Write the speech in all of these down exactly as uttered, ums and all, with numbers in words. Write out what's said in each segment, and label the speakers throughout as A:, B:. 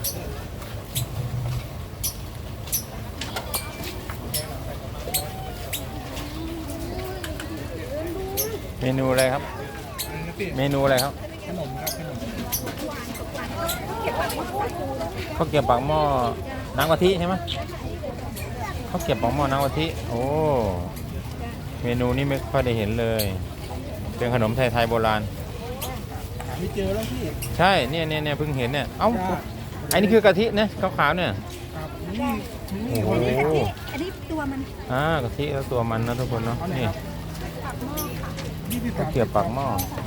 A: เมนูอะไรครับเมนูอะไรครับ
B: ขนมครับขนม
A: ข้าวเกรี๊ยวปากหม้อน้ำกะทิใช่ไหมข้าวเกรี๊ยวปากหม้อน้ำกะทิโอ้เมนูนี้ไม่ค่อยได้เห็นเลยเป็นขนมไทยๆโบราณ
B: หาไม่เจอแล้วพี่
A: ใช่เนี่ยเนี่ยเนี่ยเพิ่งเห็นเนี่ยเอ้าอันนี้คือกะทิเนี่ยขาวๆเนี่ย
B: ครับนี่
A: โอ้โห
C: อันนี้ตัวมัน
A: อ่ากะทิแล้วตัวมันนะทุกคนเนาะนี่ข้าวเกรี๊ยวปากหม้อ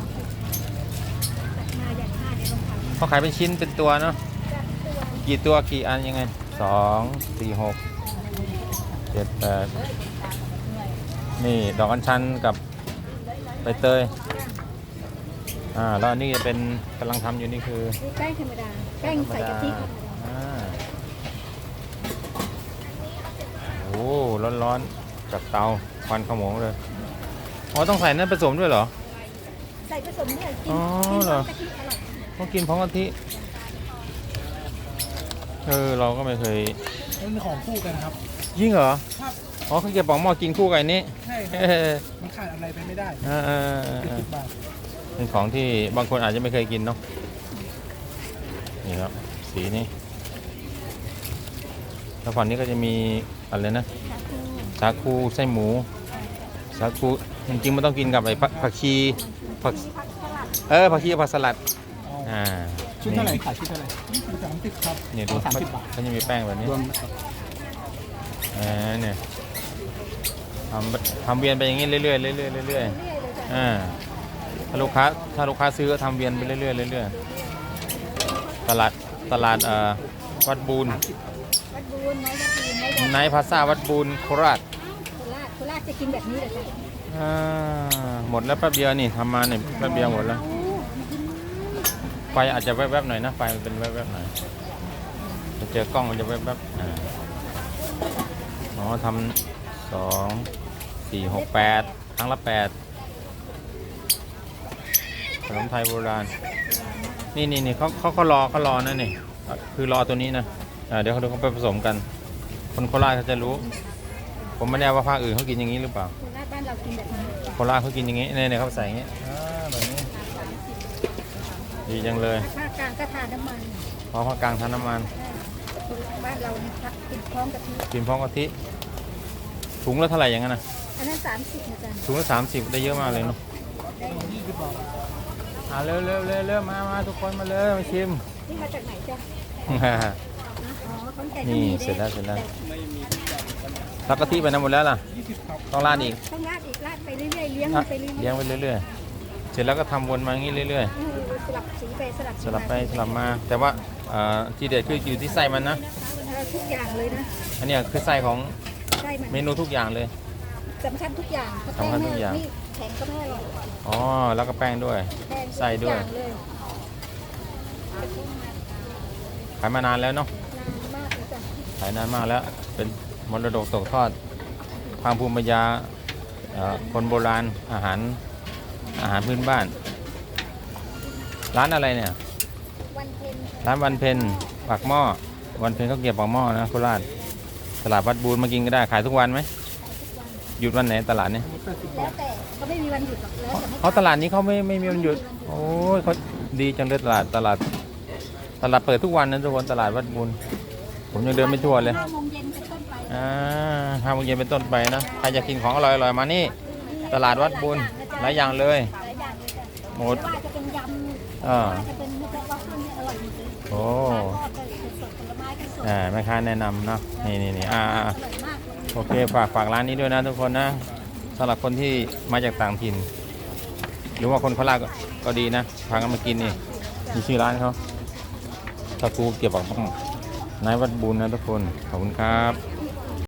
A: เขาขายเป็นชิ้นเป็นตัวเนาะกี่ตัวกี่อันยังไงสองสี่หกเจ็ดแปดนี่ดอกอัญชันกับใบเตยอ่าแล้วอันนี้จะเป็นกำลังทำอยู่นี่คือ
C: แป้งธรรมดาแป้งใส่กะทิ
A: อ่าโอ้ร้อนๆจากเตาควันขโมงเลยอ๋อต้องใส่นั่นผสมด้วยเหรอ
C: ใส่ผสมด้วยกิน
A: อ๋อเหรอต้องกินพร้อมกะทิเออเราก็ไม่เคย
B: มันของคู่กันครับ
A: ยิ่งเหรอ
B: ครับ
A: อ๋อข้าวเกรี๊ยวปากหม้อกินคู่กันนี่
B: ใช่ครับมันขาดอะไรไปไม่ได้
A: เออเป็นของที่บางคนอาจจะไม่เคยกินเนาะนี่ครับสีนี้แล้วฝั่งนี้ก็จะมีอะไรนะสาคูไส้หมูสาคูจริงๆมันต้องกินกับไอ้ผักชีผักเออผักชีผักสลัดอ่า
B: ชุดเท่าไหร่ขายชุดเท่าไหร่สามสิบครับ
A: เนี่ยดูเขาจะมีแป้งแบบนี้อ่าเนี่ยทำทำเวียนไปอย่างนี้เรื่อยๆเรื่อยๆเรื่อยๆอ่าถ้าลูกค้าถ้าลูกค้าซื้อก็ทำเวียนไปเรื่อยๆเรื่อยๆตลาดตลาดเอ่อวัดบูน
C: วัดบูนไนท์วัดบูน
A: ไนท์พาซ่าวัดบูนโคราช
C: โคราชโคราชจะกินแบบนี้เหรอจ๊ะ
A: อ่าหมดแล้วแป๊บเดียวนี่ทำมาเนี่ยแป๊บเดียวหมดแล้วไฟอาจจะแวบๆหน่อยนะไฟมันเป็นแวบๆหน่อยจะเจอกล้องมันจะแวบๆอ่าอ๋อทำสองสี่หกแปดครั้งละแปดขนมไทยโบราณนี่นี่นี่เขาเขาเขารอเขารอนะนี่คือรอตัวนี้นะอ่าเดี๋ยวเขาดูเขาไปผสมกันคนโคราชเขาจะรู้ผมไม่แน่ว่าภาคอื่นเขากินอย่างนี้หรือเปล่า
C: โคราชบ้านเรากินแบบนี้
A: โคราชเขากินอย่างนี้เนี่ยเขาใส่อย่างนี้อ่าแบบนี้ดีจังเลย
C: ภาคกลางก็ทานน้ำมัน
A: เพราะภาคกลางทานน้ำมัน
C: บ้านเราเนี่ยกินพร้อมกะทิ
A: กินพร้อมกะทิถุงละเท่าไหร่อย่างนั้นนะ
C: อันนั้นสามสิบนะจ๊ะ
A: ถุงละสามสิบได้เยอะมากเลยเนาะอ่าเร็วเร็วเร็วเร็วมามาทุกคนมาเลยมาชิม
C: นี่มาจากไหนจ๊ะ
A: นี่เสร็จแล้วเสร็จแล้วรับกะทิไปนะหมดแล้วล่ะต้องราดอีก
C: ต้องราดอีกราดไปเรื่อยๆเลี้ยงไปเรื่อยๆ
A: เลี้ยงไปเรื่อยๆเสร็จแล้วก็ทำวนมาอย่างนี้เรื่อย
C: ๆสลับสีไปสลับ
A: สลับไปสลับมาแต่ว่าที่เด็ดคืออยู่ที่ไส้มันนะ
C: ทุกอย่างเลยนะ
A: อันนี้คือไส้ของเมนูทุกอย่างเลย
C: สำคัญทุกอย่าง
A: สำคัญทุกอย่าง
C: แข็งก็ไม่อร่อย
A: อ๋อแล้วก็แป้งด้วยไส้ด้วยขายมานานแล้วเนาะขายนานมากแล้วเป็นมรดกตกทอดทางภูมิปัญญาคนโบราณอาหารอาหารพื้นบ้านร้านอะไรเนี่ยร้านวันเพ็ญปากหม้อวันเพ็ญเขาเก็บปากหม้อนะโคราชตลาดวัดบูนมากินก็ได้ขายทุกวันไหมหยุดวันไหนตลาดนี้
C: แล้วแต่เขาไม่มีวันหยุดหรอกแล้ว
A: เขาตลาดนี้เขาไม่ไม่มีวันหยุดโอ้ยเขาดีจังเลยตลาดตลาดตลาดเปิดทุกวันนะทุกคนตลาดวัดบูนผมยังเดินไม่ทั่วเลย
C: ห้าโมงเย็นเป็นต้นไป
A: อ่าห้าโมงเย็นเป็นต้นไปนะใครอยากกินของอร่อยอร่อยมานี่ตลาดวัดบูนหลายอย่างเลยหมด
C: ว่าจะเป็นยำ
A: อ่า
C: จะเป็นเนื้อวัฟเฟิลอร่อยจริง
A: โอ้อ่าแม่ค้าแนะนำเนาะนี่นี่นี่อ่าโอเคฝากฝากร้านนี้ด้วยนะทุกคนนะสำหรับคนที่มาจากต่างถิ่นหรือว่าคนโคราชก็ดีนะพากันมากินนี่มีชื่อร้านเขาตะกูเกี่ยวกับนายวัดบุญนะทุกคนขอบคุณครับ